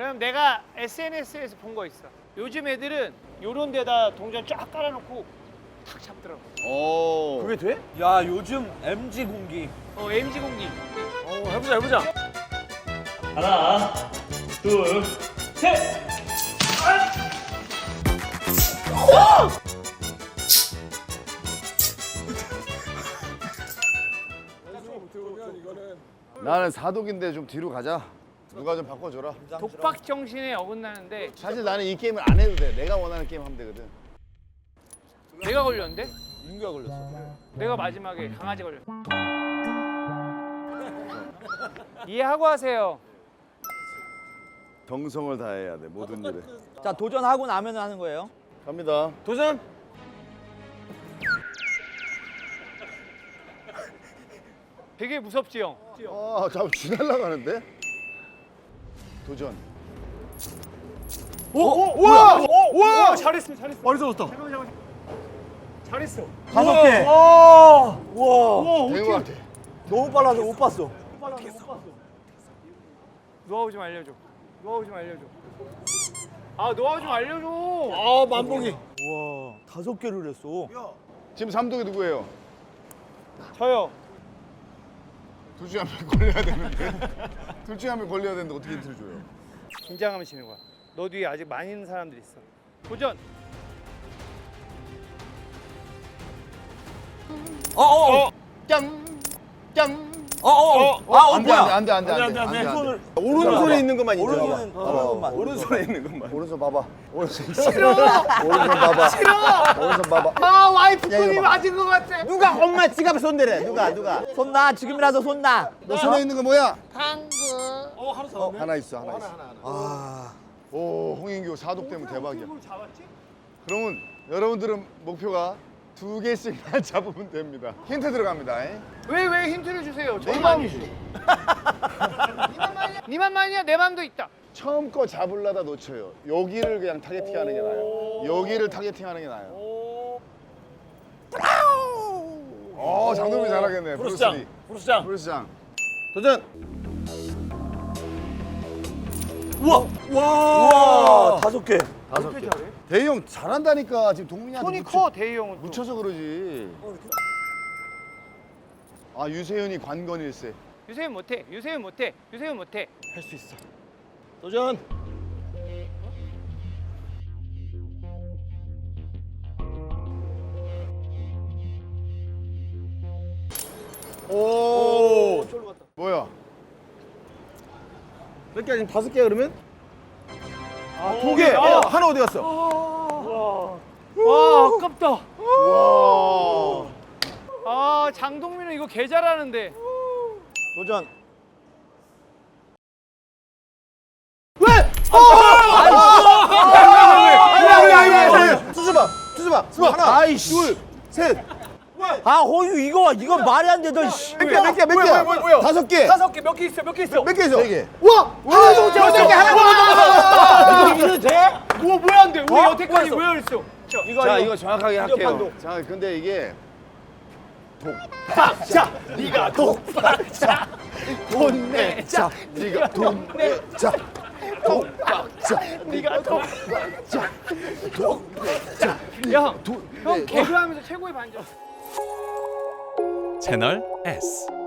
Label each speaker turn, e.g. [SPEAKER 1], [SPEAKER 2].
[SPEAKER 1] 그럼 내가 SNS에서 본 거 있어. 요즘 애들은 요런 데다 동전 쫙 깔아놓고 탁 잡더라고.
[SPEAKER 2] 오.
[SPEAKER 3] 그게 돼? 야 요즘 MG 공기.
[SPEAKER 1] MG 공기.
[SPEAKER 3] 해보자.
[SPEAKER 4] 하나, 둘, 셋!
[SPEAKER 2] 나는 사독인데 좀 뒤로 가자. 누가 좀 바꿔줘라.
[SPEAKER 1] 독박 정신에 어긋나는데
[SPEAKER 2] 사실 나는 이 게임을 안 해도 돼. 내가 원하는 게임 하면 되거든.
[SPEAKER 1] 내가 걸렸는데?
[SPEAKER 3] 민규가 걸렸어.
[SPEAKER 1] 내가 마지막에 강아지 걸렸어. 이해하고 하세요.
[SPEAKER 2] 정성을 다해야 돼 모든 일에.
[SPEAKER 5] 자 도전하고 나면 하는 거예요.
[SPEAKER 2] 갑니다.
[SPEAKER 3] 도전.
[SPEAKER 1] 되게 무섭지 형?
[SPEAKER 2] 아, 자꾸 지날라가는데? 도전.
[SPEAKER 3] 와!
[SPEAKER 1] 잘했어.
[SPEAKER 3] 머리 쏘았다.
[SPEAKER 1] 잘했어.
[SPEAKER 5] 5개.
[SPEAKER 3] 와!
[SPEAKER 2] 된 것 같아.
[SPEAKER 5] 너무 빨라서 못 봤어.
[SPEAKER 1] 노하우 좀 알려줘. 아 노하우 좀 알려줘.
[SPEAKER 3] 아 만복이.
[SPEAKER 5] 와 5개를 했어.
[SPEAKER 2] 지금 삼독이 누구예요?
[SPEAKER 1] 저요.
[SPEAKER 2] 둘 중에 한 명 걸려야 되는데. 둘 중에 한 명 걸려야 되는데 어떻게 힌트를 줘요?
[SPEAKER 1] 긴장하면 지는 거야. 너 뒤에 아직 많이 있는 사람들이 있어. 도전.
[SPEAKER 2] 짱! 짱!
[SPEAKER 5] 안 돼.
[SPEAKER 2] 안 돼.
[SPEAKER 3] 손을
[SPEAKER 2] 오른손에 있는 것만
[SPEAKER 5] 오른손은 오른손만.
[SPEAKER 2] 오른손에 있는 것만. 오른손 봐봐. 오른손 싫어. 오른손 봐봐. 오른손 봐봐.
[SPEAKER 1] 아 와이프
[SPEAKER 2] 야, 이거
[SPEAKER 1] 손이
[SPEAKER 2] 봐.
[SPEAKER 1] 맞은 것 같아.
[SPEAKER 5] 누가 엄마 지갑에 손대래? 누가? 손나 지금이라도 손나.
[SPEAKER 2] 너 손에 있는 거 뭐야?
[SPEAKER 1] 당근.
[SPEAKER 2] 하나 있어. 아. 오, 홍인규 사독 때문에 대박이야.
[SPEAKER 1] 잡았지?
[SPEAKER 2] 그러면 여러분들은 목표가 2개씩만 잡으면 됩니다. 힌트 들어갑니다.
[SPEAKER 1] 왜 힌트를 주세요?
[SPEAKER 2] 내
[SPEAKER 1] 저만
[SPEAKER 2] 마음이지.
[SPEAKER 1] 니만만이야. 내 맘도 있다.
[SPEAKER 2] 처음 거 잡으려다 놓쳐요. 여기를 그냥 타겟팅하는 게 나아요. 여기를 타겟팅하는 게 나아요. 장동민이 잘하겠네.
[SPEAKER 3] 브루스장.
[SPEAKER 2] 브루스장. 도전.
[SPEAKER 5] 와 5개.
[SPEAKER 2] 5개. 대희 형 잘한다니까. 지금 동민이한테
[SPEAKER 1] 손이 커 대희 형은. 또.
[SPEAKER 2] 묻혀서 그러지. 아, 유세윤이 관건일세.
[SPEAKER 1] 유세윤 못해.
[SPEAKER 3] 할 수 있어. 도전.
[SPEAKER 2] 오. 뭐야?
[SPEAKER 3] 몇 개? 지금 5개 그러면?
[SPEAKER 1] 아,
[SPEAKER 3] 2개.
[SPEAKER 1] 아.
[SPEAKER 3] 하나 어디 갔어?
[SPEAKER 1] 와 아깝다.
[SPEAKER 2] 와.
[SPEAKER 1] 아 장동민은 이거 개 잘하는데.
[SPEAKER 5] 도전.
[SPEAKER 2] 수수봐. 하나.
[SPEAKER 5] 아이씨.
[SPEAKER 2] 둘, 셋.
[SPEAKER 5] 아 호유 이거 말이 안 돼. 너 씨.
[SPEAKER 2] 몇 개야? 5개.
[SPEAKER 1] 몇 개 있어?
[SPEAKER 2] 몇 개 있어? 4개.
[SPEAKER 1] 하나 더 잡았어. 하나
[SPEAKER 5] 이거 돼?
[SPEAKER 1] 뭐야 안 돼? 우리 여태까지 왜 그랬어?
[SPEAKER 2] 자, 이거 정확하게 할게요. 자, 근데 이게
[SPEAKER 1] 네가 독박자 돈 내자.
[SPEAKER 2] 네가 돈 내자.
[SPEAKER 1] 네가 독박자 형 개그하면서 최고의 반전.
[SPEAKER 6] 채널 S